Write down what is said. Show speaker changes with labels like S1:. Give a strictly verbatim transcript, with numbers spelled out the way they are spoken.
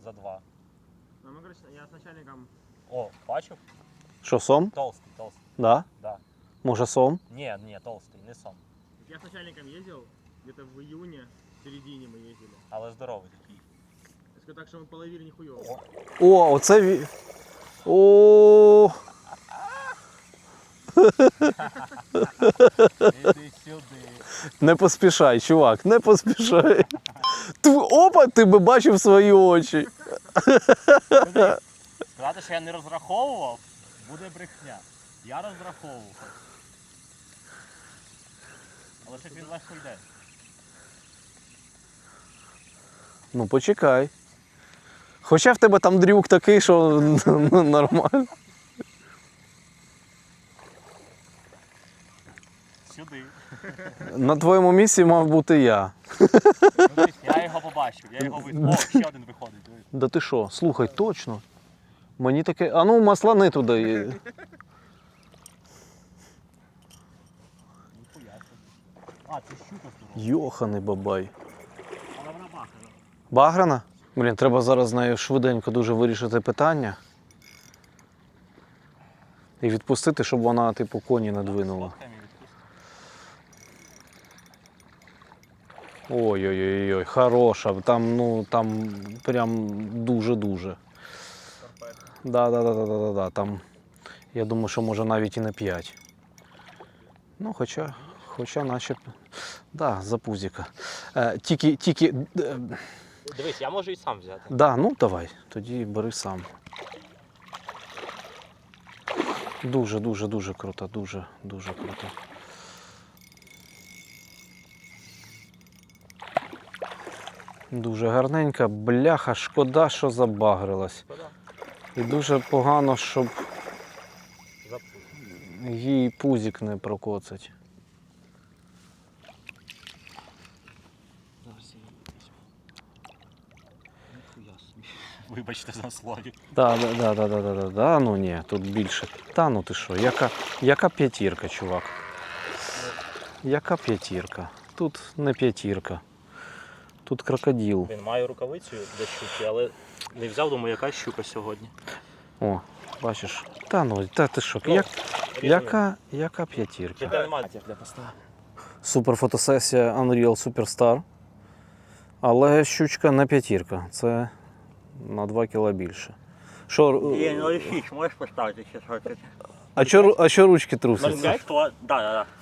S1: за два.
S2: Ну, мы, короче, я с начальником...
S1: О, бачив?
S3: Що, сом?
S1: Толстий, толстий.
S3: Да?
S1: Да.
S3: Може сом?
S1: Ні, ні, толстий, не сом.
S2: Я с начальником ездил, где-то в июне, в середине мы ездили.
S1: Але здоровий такий.
S2: Я скажу так, что мы половили нихуёво.
S3: О, оце ві... О,
S1: Іди сюди.
S3: не поспішай, чувак, не поспішай. Ти, опа, ти би бачив свої очі.
S1: Сказати, що я не розраховував, буде брехня. Я розраховував. Але щось він легко йде.
S3: Ну почекай. Хоча в тебе там дрюк такий, що ну, нормально.
S1: Сюди.
S3: На твоєму місці мав бути я.
S1: Ну, я його побачив, я його вид. О, ще один виходить. Дивись.
S3: Да ти що, слухай, точно. Мені таке. А ну маслани туди.
S1: Ніхуя собі. А, це щука здорова.
S3: Йоханий бабай.
S1: Але вона бахана.
S3: Баграна? Блін, треба зараз з нею швиденько дуже вирішити питання. І відпустити, щоб вона, типу, коні не двинула. Ой-ой-ой, хороша. Там, ну, там прям дуже-дуже. Да-да-да-да-да-да. Там, я думаю, що може навіть і не п'ять. Ну, хоча, хоча наче, да, за пузіка. Е, тільки, тільки, е,
S1: Дивись, я можу і сам взяти.
S3: да, ну давай, тоді бери сам. Дуже-дуже-дуже круто, дуже-дуже круто. Дуже гарненька, бляха, шкода, що забагрилась.
S1: Шкода.
S3: І дуже погано, щоб
S1: Запуск.
S3: їй пузик не прокоцать.
S1: Зараз я її візьму. Ніхуя собі. Вибачте за слові.
S3: Да, да, да, да, да, да, да, да, ну ні, тут більше. Та ну ти що, яка, яка п'ятірка, чувак? Яка п'ятірка? Тут не п'ятірка. Тут крокодил.
S1: Він має рукавицю для щуки, але не взяв, думаю, яка щука сьогодні.
S3: О, бачиш. Та ну, та ти що, як, яка, яка п'ятірка?
S1: Це немає для поста.
S3: Супер фотосесія Unreal Superstar. Але щучка не п'ятірка. Це на два кіла більше. Що,
S1: Є, ну і шість, можеш поставити ще щось.
S3: а що, а що ручки трусяться?
S1: ноль п'ять, то, да, да, да.